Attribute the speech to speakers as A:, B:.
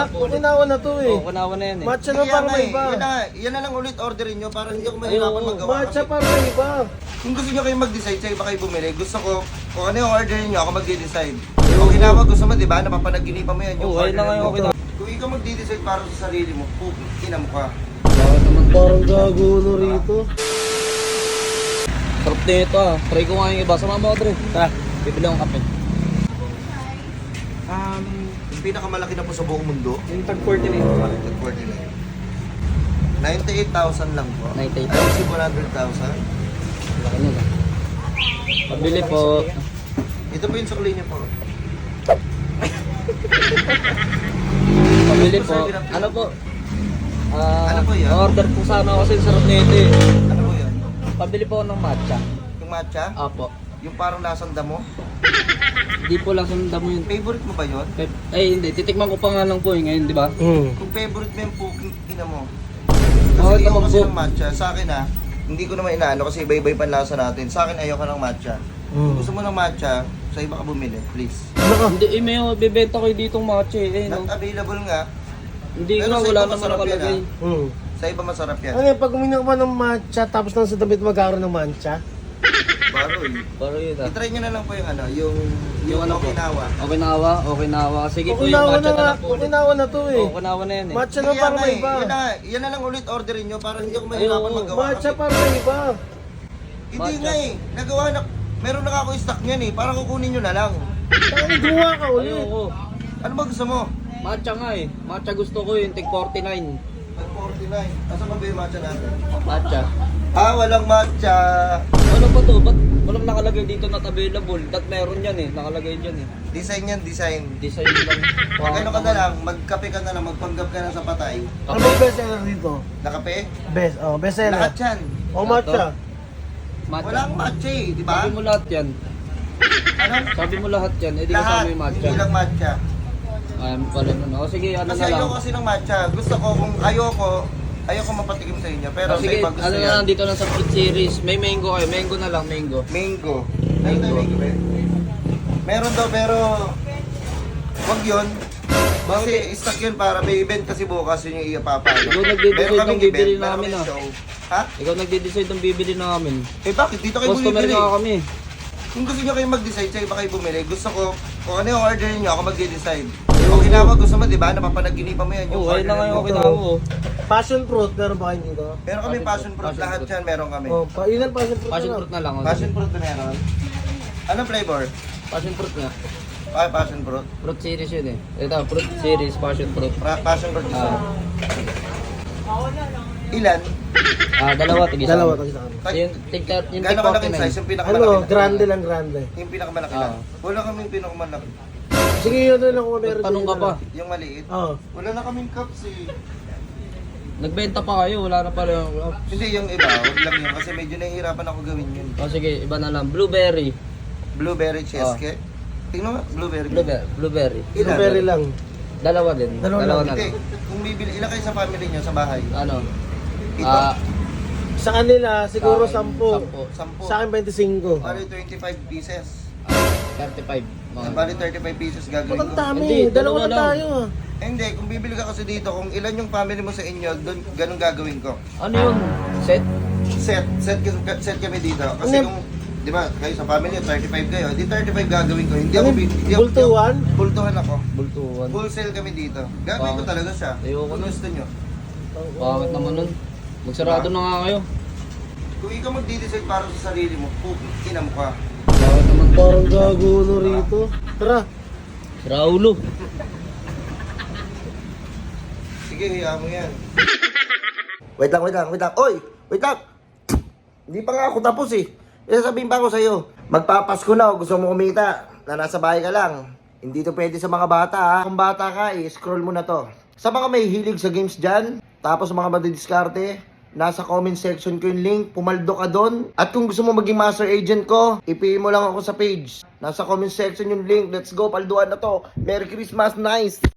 A: Kunawa na to eh.
B: Oo, kunawa na yan eh.
A: Matcha na para may iba.
C: Yan na lang ulit orderin nyo para hindi ako mahirapan magawa.
A: Matcha para may iba.
C: Kung gusto nyo kayo mag-decide sa iba kayo bumili, gusto ko, kung ano yung orderin nyo, ako mag-decide. Kung ginawa gusto mo, di ba, napapanaginipan mo yan yung
B: Oo, ayun na nga yung okay na.
C: Kung ikaw mag-decide para sa sarili mo, ina mo ka.
A: Parang gago no rito.
B: Sarap nito ah. Try ko nga yung iba. Sama mo, Dre. Tara, bibili akong kape.
C: Yung pinakamalaki na po sa buong mundo,
B: Yung tag 49.
C: 98,000 lang po.
B: 98,000.
C: Ayun si 100,000.
B: Laki nyo na. Pabili po.
C: Ito po yung sukli niyo po.
B: Pabili po. Ano po?
C: Ano po yan?
B: Order po sana ako kasi sarap nito eh.
C: Ano po yan?
B: Pabili po ako ng matcha.
C: Yung matcha?
B: Apo.
C: Yung parang lasang damo?
B: Hindi po lang sundan mo yun.
C: Favorite mo ba yun?
B: Ay hindi, titikman ko pa nga lang po eh ngayon, di ba?
C: Kung favorite mo yung ina mo.
B: Oo,
C: Kasi
B: ito
C: ayaw kasi
B: mag-book.
C: ng matcha. Sa akin hindi ko naman inaano kasi iba-iba yung panlasa natin. Sa akin ayaw ka ng matcha. Kung gusto mo ng matcha, sa iba ka bumili, please.
B: Hindi, may bibenta kayo ditong matcha eh. No?
C: Not available nga.
B: Hindi
C: Pero
B: nga,
C: sa
B: wala
C: iba
B: naman
C: masarap yan,
B: nakalagay.
C: Sa iba masarap yan.
A: Ano yan, pag uminom ka ng matcha, tapos nang sa damit magkakaroon ng matcha?
C: Baroy.
B: Pero yun ah.
C: I-try nyo na lang po yung yung
B: ano po?
C: Okinawa.
B: Okinawa. Sige po yung
A: Kunawa
B: matcha
A: na
B: na
A: nga,
B: lang po ulit.
A: kunawa na to eh.
B: Oo, kunawa na yan eh.
A: Matcha na
C: Kaya
A: para
C: nga
A: may
C: eh,
A: iba.
C: yan na lang ulit orderin nyo para hindi ako mahirapan
B: Oo,
C: magawa.
A: Matcha
C: Kasi-
A: para may iba.
C: Hindi
B: Matcha.
C: nga eh. Nagawa na. Meron na ako stock niyan eh. Parang kukunin nyo na lang.
A: Saan gumawa ka ulit?
B: Ayoko.
C: Ano ba gusto mo?
B: Matcha nga eh. Matcha gusto ko yung tig 49.
C: 49. Asa ba yung matcha natin?
B: Matcha.
C: Walang matcha.
B: Ano ba to? Ba't walang nakalagay dito not available? Dat meron yan eh. Nakalagay dyan eh.
C: Design yan, design.
B: Design lang.
C: Pag ano ka na lang, magkape ka na lang, magpanggap ka na sa patay.
A: Ano ba yung best seller dito?
C: Nakape?
A: Best seller.
C: Lahat yan.
A: O matcha.
B: Matcha.
C: Walang matcha eh, di ba?
B: Sabi mo lahat yan.
C: Ano?
B: Sabi mo lahat yan. Eh di
C: Lahat.
B: kasama yung matcha.
C: Hindi lang matcha.
B: Pala nun. O sige, ano
C: Kasi
B: na lang.
C: ayoko kasi ng matcha. Gusto ko, kung ayoko mapatikim sa inyo. Pero
B: O
C: sa
B: sige,
C: iba gusto
B: ano na
C: yan.
B: lang dito lang sa fruit series. May mango kayo. Mango na lang, mango.
C: Mango. Ayun tayo mango ba? Meron daw pero wag yun. Kasi stock yun para may event kasi bukas yun yung ipapalo.
B: Ikaw nagde-decide ng bibili namin ah.
C: Ha?
B: Ikaw nagde-decide ng bibili namin.
C: Eh bakit? Dito kayo
B: Customer
C: bumibili.
B: nga kami.
C: Kung gusto nyo kayo mag-decide, sa iba kayo bumili. Gusto ko, kung ano yung orderin nyo, ako mag-decide. Kung ginawa gusto mo, di ba? Napapanaginipan mo yan.
B: Oo, ayun na nga yung
C: mo.
B: okinawa ko.
A: Passion fruit, meron ba kayo dito?
C: Meron kami passion fruit.
B: Passion
C: Lahat
B: fruit.
C: yan meron kami.
A: Oh, ilan passion fruit
B: Passion
A: na lang?
B: fruit na lang. o.
C: Passion fruit na meron. Anong flavor?
B: Passion fruit nga.
C: Passion fruit.
B: Fruit series yun eh. Ito, fruit series, passion fruit.
C: Passion fruit isa.
B: Ah.
C: Ilan?
B: Dalawa, tigisa.
A: Dalawa, tagi sa akin.
B: Yung tig
C: Gano'ng kalaking size?
B: 49.
C: Yung pinakamalaki
A: Ano,
C: na.
A: grande lang, grande.
C: Yung pinakamalaki na.
B: Ah.
C: Wala kaming pinakamalaki.
A: Sige, yun na lang kung meron.
B: Tanong ka
A: dito
B: pa.
A: na.
C: Yung maliit.
A: Oo.
C: Wala na kaming cups eh.
B: Nagbenta pa kayo, wala na pala yung...
C: Hindi, yung iba. Huwag lang yun. Kasi medyo nahihirapan ako gawin yun.
B: O sige, iba na lang. Blueberry.
C: Blueberry cheesecake. Tingnan mo, blueberry.
B: Blueberry.
C: Ilan?
A: Blueberry lang.
B: Dalawa din.
A: Dalawa
B: Dalawa
A: lang.
B: na
C: Hindi,
B: lang.
C: kung bibili, ilan kayo sa family nyo sa bahay?
B: Ano?
C: Ito?
A: Sa kanila, siguro
B: Sa
A: 10.
B: akin,
C: 10.
A: Sa akin, 25.
C: Bali 25 pieces.
B: 35. Mga
C: Bali 35 pieces gagawin
A: Ba't ang
C: ko.
A: dami?
B: Hindi,
A: Dalawa
B: dalawa
A: na
B: lang.
A: tayo ah.
C: Hindi, kung bibili ka kasi dito, kung ilan yung family mo sa inyo, doon ganun gagawin ko.
B: Ano yun? Set?
C: Set kami dito. Kasi
A: Ano?
C: kung, di ba, kayo sa family, 35 kayo, di 35 gagawin ko. Hindi ako,
A: Ano?
C: hindi ako,
A: Bultuhan?
C: bultuhan ako.
B: Bultuan.
C: Full sale kami dito. Gagawin ko
B: Bakit?
C: talaga siya.
B: Ayoko
C: Kung
B: nun.
C: gusto nyo.
B: Bakit naman nun? Magsarado na nga kayo.
C: Kung ikaw mag-decide para sa sarili mo, ina mo ka.
B: Bakit naman?
A: Parang gago no rito. Tara.
B: Si Raulo.
C: Sige, hiya mo yan. Wait lang. Oy! Wait lang! Hindi pa nga ako tapos eh. Sabihin pa ako sa'yo. Magpapasko na o gusto mo kumita na nasa bahay ka lang. Hindi to pwede sa mga bata ha. Kung bata ka, scroll mo na to. Sa mga may hilig sa games dyan, tapos mga madidiskarte, nasa comment section ko yung link, pumaldo ka doon. At kung gusto mo maging master agent ko, i-PM mo lang ako sa page. Nasa comment section yung link. Let's go, palduan na to. Merry Christmas, nice!